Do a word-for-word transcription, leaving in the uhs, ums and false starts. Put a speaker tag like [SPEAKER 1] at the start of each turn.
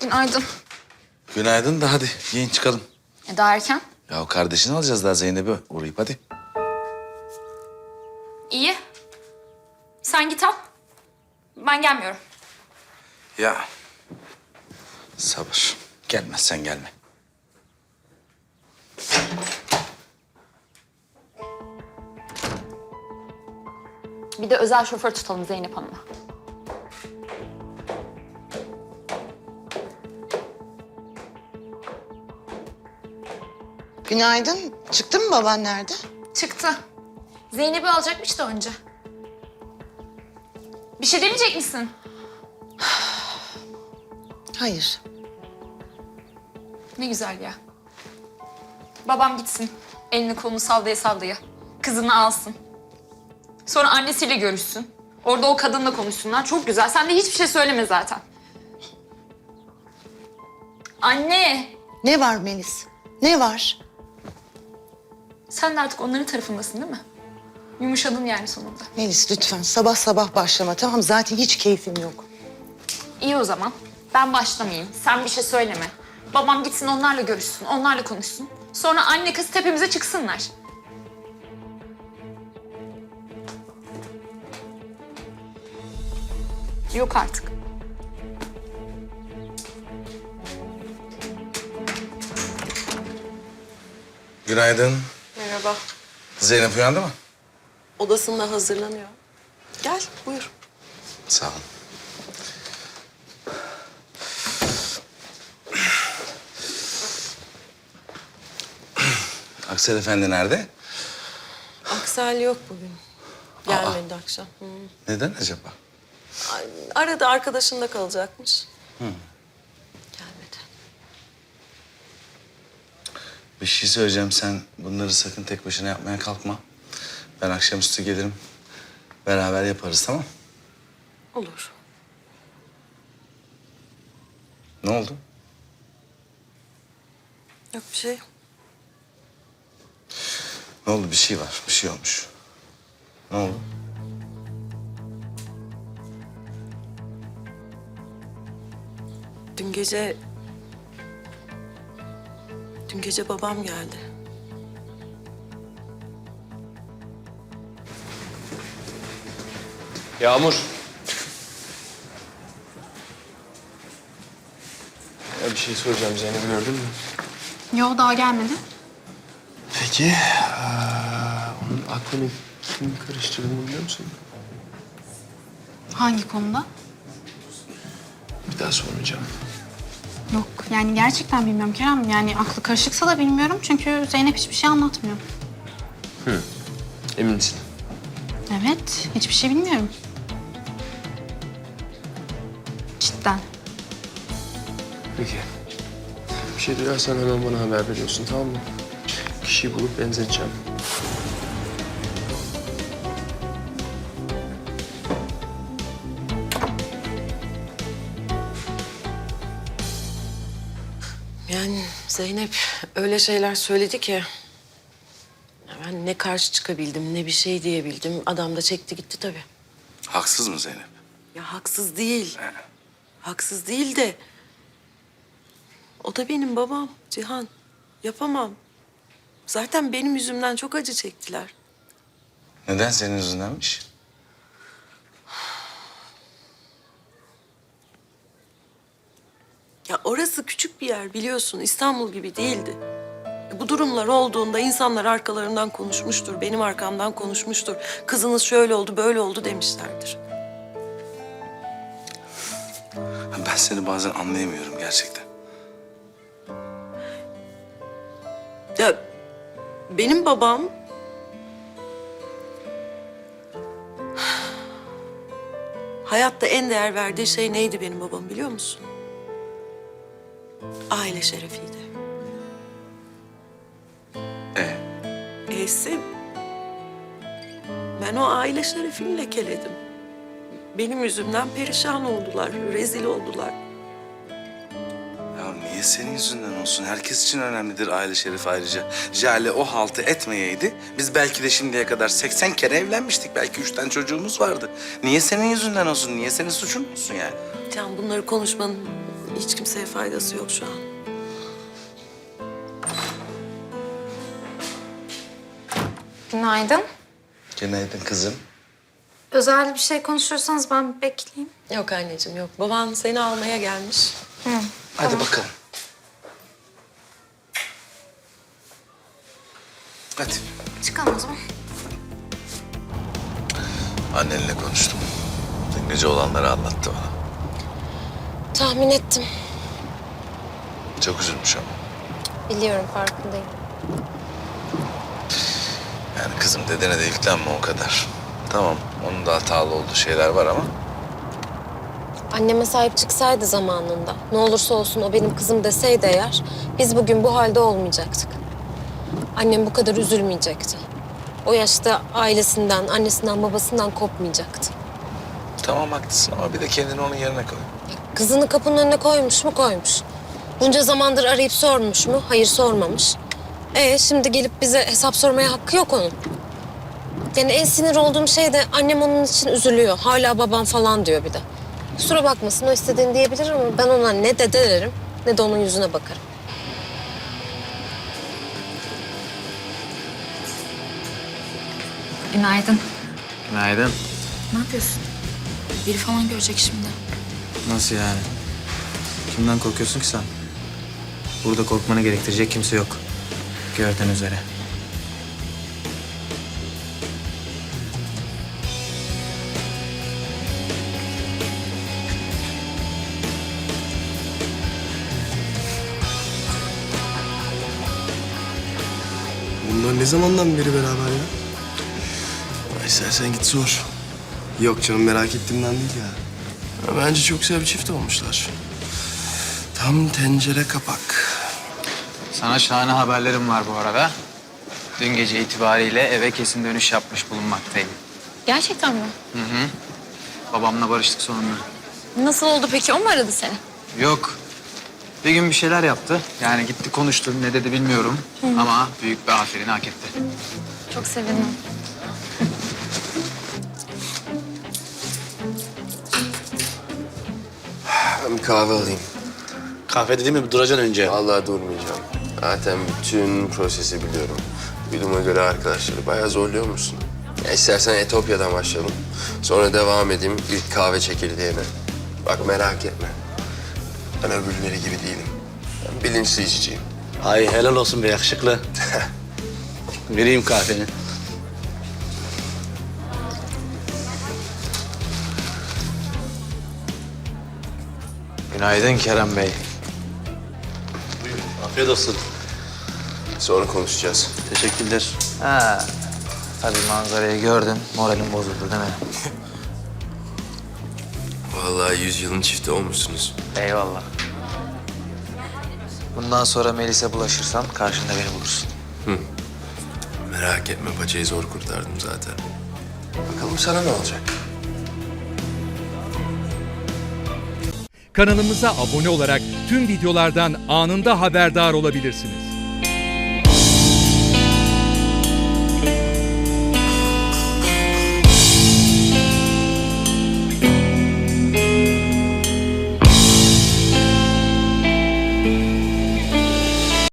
[SPEAKER 1] Günaydın.
[SPEAKER 2] Günaydın da hadi yiyin çıkalım.
[SPEAKER 1] E daha erken.
[SPEAKER 2] Ya o kardeşini alacağız daha Zeynep'i uğrayıp hadi.
[SPEAKER 1] İyi. Sen git al. Ben gelmiyorum.
[SPEAKER 2] Ya sabır. Gelmezsen gelme.
[SPEAKER 1] Bir de özel şoför tutalım Zeynep Hanım'a.
[SPEAKER 3] Günaydın. Çıktı mı baban nerede?
[SPEAKER 1] Çıktı. Zeynep'i alacakmış da önce. Bir şey demeyecek misin?
[SPEAKER 3] Hayır.
[SPEAKER 1] Ne güzel ya. Babam gitsin. Elini kolunu sallaya sallaya. Kızını alsın. Sonra annesiyle görüşsün. Orada o kadınla konuşsunlar. Çok güzel. Sen de hiçbir şey söyleme zaten. Anne!
[SPEAKER 3] Ne var Melis? Ne var?
[SPEAKER 1] Sen de artık onların tarafındasın değil mi? Yumuşadın yani sonunda.
[SPEAKER 3] Melis lütfen sabah sabah başlama tamam zaten hiç keyfim yok.
[SPEAKER 1] İyi o zaman. Ben başlamayayım. Sen bir şey söyleme. Babam gitsin onlarla görüşsün, onlarla konuşsun. Sonra anne kız tepemize çıksınlar. Yok artık.
[SPEAKER 2] Günaydın.
[SPEAKER 4] Merhaba.
[SPEAKER 2] Zeynep uyandı mı?
[SPEAKER 4] Odasında hazırlanıyor. Gel, buyur.
[SPEAKER 2] Sağ olun. Aksel Efendi nerede?
[SPEAKER 4] Aksel yok bugün. Gelmedi akşam. Hı.
[SPEAKER 2] Neden acaba?
[SPEAKER 4] Ay, Arada arkadaşında kalacakmış. Gelmedi.
[SPEAKER 2] Bir şey söyleyeceğim. Sen bunları sakın tek başına yapmaya kalkma. Ben akşamüstü gelirim. Beraber yaparız tamam?
[SPEAKER 4] Olur.
[SPEAKER 2] Ne oldu?
[SPEAKER 4] Yok bir şey.
[SPEAKER 2] Ne oldu? Bir şey var. Bir şey olmuş. Ne oldu?
[SPEAKER 4] Dün gece... Dün gece babam geldi.
[SPEAKER 5] Yağmur. Ya bir şey soracağım. Zeynep'i gördün mü?
[SPEAKER 1] Yo daha gelmedi.
[SPEAKER 5] Peki, eee, onun aklını kim karıştırdığını biliyor musun?
[SPEAKER 6] Hangi konuda?
[SPEAKER 5] Bir daha sormayacağım.
[SPEAKER 6] Yok yani gerçekten bilmiyorum Kerem. Yani aklı karışıksa da bilmiyorum çünkü Zeynep hiçbir şey anlatmıyor.
[SPEAKER 5] Emin misin?
[SPEAKER 6] Evet, hiçbir şey bilmiyorum. Cidden.
[SPEAKER 5] Peki. Bir şey duyarsan hemen bana haber veriyorsun, tamam mı? Kişiyi bulup benzeteceğim.
[SPEAKER 4] Yani Zeynep öyle şeyler söyledi ki... ya ben ne karşı çıkabildim, ne bir şey diyebildim. Adam da çekti gitti tabii.
[SPEAKER 2] Haksız mı Zeynep?
[SPEAKER 4] Ya haksız değil. Haksız değil de... o da benim babam Cihan. Yapamam. Zaten benim yüzümden çok acı çektiler.
[SPEAKER 2] Neden senin yüzündenmiş?
[SPEAKER 4] Ya orası küçük bir yer biliyorsun. İstanbul gibi değildi. E, Bu durumlar olduğunda insanlar arkalarından konuşmuştur. Benim arkamdan konuşmuştur. Kızınız şöyle oldu, böyle oldu demişlerdir.
[SPEAKER 2] Ben seni bazen anlayamıyorum gerçekten.
[SPEAKER 4] Ya benim babam... hayatta en değer verdiği şey neydi benim babam biliyor musun? Aile şerefiydi.
[SPEAKER 2] Ee,
[SPEAKER 4] Eyse ben o aile şerefini lekeledim. Benim yüzümden perişan oldular, rezil oldular.
[SPEAKER 2] ya niye senin yüzünden olsun? Herkes için önemlidir aile şerefi ayrıca. Jale o haltı etmeyeydi. Biz belki de şimdiye kadar seksen kere evlenmiştik. Belki üç tane çocuğumuz vardı. Niye senin yüzünden olsun? Niye senin suçun olsun yani?
[SPEAKER 4] Can bunları konuşmanın Hiç kimseye faydası yok şu an.
[SPEAKER 1] Günaydın.
[SPEAKER 2] Günaydın kızım.
[SPEAKER 1] Özel bir şey konuşuyorsanız ben bekleyeyim.
[SPEAKER 4] Yok anneciğim yok. Baban seni almaya gelmiş.
[SPEAKER 2] Hadi bakalım. Hadi.
[SPEAKER 1] Çıkalım o zaman.
[SPEAKER 2] Annenle konuştum. Dün gece olanları anlattı bana.
[SPEAKER 7] Tahmin ettim.
[SPEAKER 2] Çok üzülmüş ama.
[SPEAKER 7] Biliyorum, farkındayım.
[SPEAKER 2] Yani kızım dedene de yüklenme o kadar. Tamam, onun da hatalı olduğu şeyler var ama...
[SPEAKER 7] Anneme sahip çıksaydı zamanında, ne olursa olsun o benim kızım deseydi eğer, biz bugün bu halde olmayacaktık. Annem bu kadar üzülmeyecekti. O yaşta ailesinden, annesinden, babasından kopmayacaktı.
[SPEAKER 2] Tamam haklısın ama bir de kendini onun yerine koy.
[SPEAKER 7] Kızını kapının önüne koymuş mu? Koymuş. Bunca zamandır arayıp sormuş mu? Hayır, sormamış. E şimdi gelip bize hesap sormaya hakkı yok onun. Yani en sinir olduğum şey de annem onun için üzülüyor. Hala babam falan diyor bir de. Kusura bakmasın, o istediğini diyebilir ama ben ona ne dede derim ne de onun yüzüne bakarım.
[SPEAKER 1] Günaydın.
[SPEAKER 8] Günaydın.
[SPEAKER 1] Ne yapıyorsun? Biri falan görecek şimdi.
[SPEAKER 8] Nasıl yani? Kimden korkuyorsun ki sen? Burada korkmanı gerektirecek kimse yok. Gördüğün üzere.
[SPEAKER 5] Bunlar ne zamandan beri beraber ya? Ay istersen git sor. Yok canım, merak ettiğimden değil ya. Ya bence çok güzel bir çift olmuşlar. Tam tencere kapak.
[SPEAKER 8] Sana şahane haberlerim var bu arada. Dün gece itibariyle eve kesin dönüş yapmış bulunmaktayım.
[SPEAKER 1] Gerçekten mi?
[SPEAKER 8] Hı hı. Babamla barıştık sonunda.
[SPEAKER 1] Nasıl oldu peki? O mu aradı seni?
[SPEAKER 8] Yok. Bir gün bir şeyler yaptı. Yani gitti konuştu. Ne dedi bilmiyorum. Ama büyük bir aferin hak etti.
[SPEAKER 1] Çok sevindim.
[SPEAKER 5] Ben bir kahve alayım.
[SPEAKER 9] Kahve dediğim gibi duracaksın önce.
[SPEAKER 5] Vallahi durmayacağım. Zaten bütün prosesi biliyorum. Duyduğuma göre arkadaşları bayağı zorluyormuşsun. Ya istersen Etopya'dan başlayalım. Sonra devam edeyim ilk kahve çekirdeğine. Bak merak etme. Ben öbürleri gibi değilim. Ben bilinçli içiciyim.
[SPEAKER 9] Ay helal olsun be yakışıklı. Vereyim kahveni.
[SPEAKER 8] Günaydın Kerem Bey.
[SPEAKER 9] Afiyet olsun.
[SPEAKER 5] Sonra konuşacağız.
[SPEAKER 9] Teşekkürler.
[SPEAKER 8] Ha. Tabii manzarayı gördün. Moralim bozuldu değil mi?
[SPEAKER 5] Vallahi yüzyılın çifti olmuşsunuz.
[SPEAKER 8] Eyvallah. Bundan sonra Melis'e bulaşırsan karşında beni bulursun.
[SPEAKER 5] Merak etme, paçayı zor kurtardım zaten. Bakalım sana ne olacak?
[SPEAKER 10] Kanalımıza abone olarak tüm videolardan anında haberdar olabilirsiniz.